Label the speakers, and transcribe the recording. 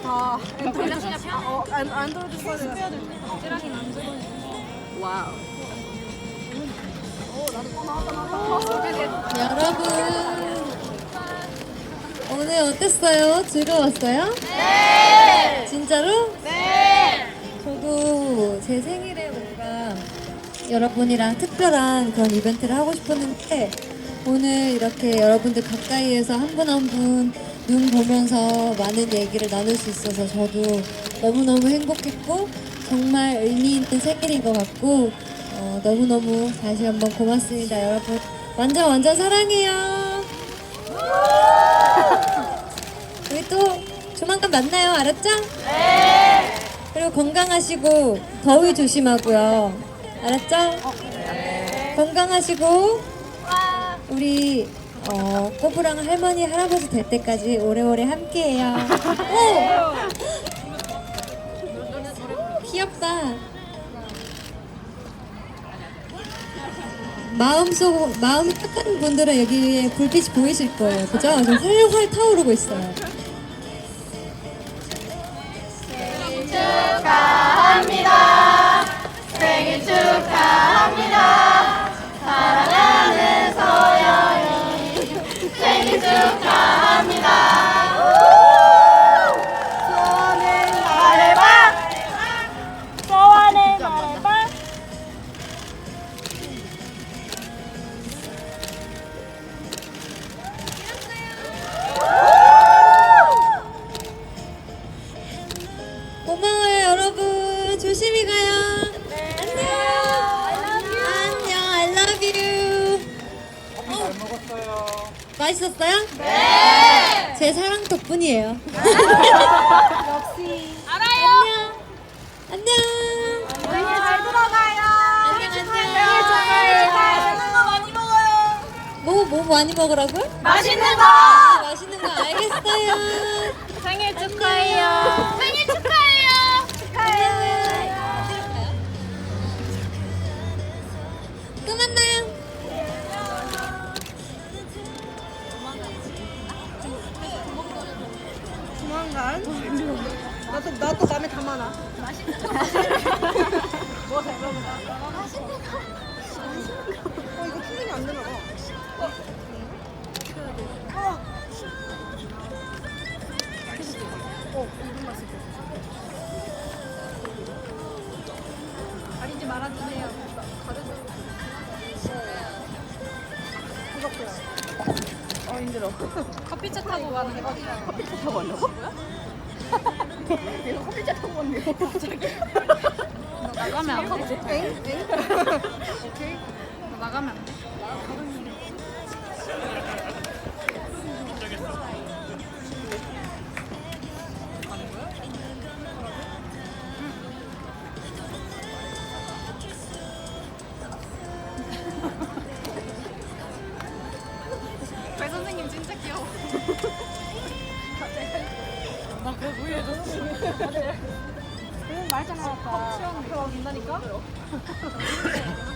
Speaker 1: 다 안드로이드 안드로이드 써야 돼.
Speaker 2: 와우.
Speaker 3: 여러분 오늘 어땠어요? 즐거웠어요? 네! 진짜로? 네! 저도 제 생일에 뭔가 여러분이랑 특별한 그런 이벤트를 하고 싶었는데 오늘 이렇게 여러분들 가까이에서 한 분 한 분 눈 보면서 많은 얘기를 나눌 수 있어서 저도 너무너무 행복했고 정말 의미 있는 생일인 것 같고 너무너무 다시 한번 고맙습니다. 여러분 완전 사랑해요. 우리 또 조만간 만나요. 알았죠? 네. 그리고 건강하시고 더위 조심하고요. 알았죠? 네. 건강하시고 우리 꼬부랑 할머니 할아버지 될 때까지 오래오래 함께해요. 귀엽다. 마음이 착한 분들은 여기에 불빛이 보이실 거예요. 그죠? 지금 활활 타오르고 있어요.
Speaker 4: 생일 축하합니다. 생일 축하합니다. 사랑하는 서연이 생일 축하합니다. 소원을 말해봐. 소원을 말해봐.
Speaker 3: 고마워요 여러분. 조심히 가요. 안녕. I love you.
Speaker 1: 잘 먹었어요.
Speaker 3: 맛있었어요? 네. 제 사랑 덕분이에요.
Speaker 1: 역시.
Speaker 3: 안녕. 안녕.
Speaker 4: 생일 잘 들어가요.
Speaker 3: 안녕.
Speaker 4: 생일 축하해요. 맛있는 거 많이 먹어요.
Speaker 3: 뭐 많이 먹으라고요?
Speaker 4: 맛있는 거.
Speaker 3: 맛있는 거 알겠어요.
Speaker 4: 생일 축하해요. 생일 축하해요. 축하해요.
Speaker 3: 또 만나요.
Speaker 1: 조만간. 나도 맘에 담아놔. 뭐 잘 먹는다. 이거 풀리면 안 되나 봐.
Speaker 2: 가리지 말아주세요.
Speaker 1: 힘들어.
Speaker 2: 커피차 타고 가는 거.
Speaker 1: 커피차 타고 왔냐고? 얘가 커피차 타고 왔네. 갑자기.
Speaker 2: 너 나가면 안 돼?
Speaker 1: 엥?
Speaker 2: 오케이. 너 나가면 안 돼? 배 선생님 진짜 귀여워. 나 그거 무해해줬어.
Speaker 1: 말잖아.
Speaker 2: 컵 치웠는데.
Speaker 1: 그거 된다니까?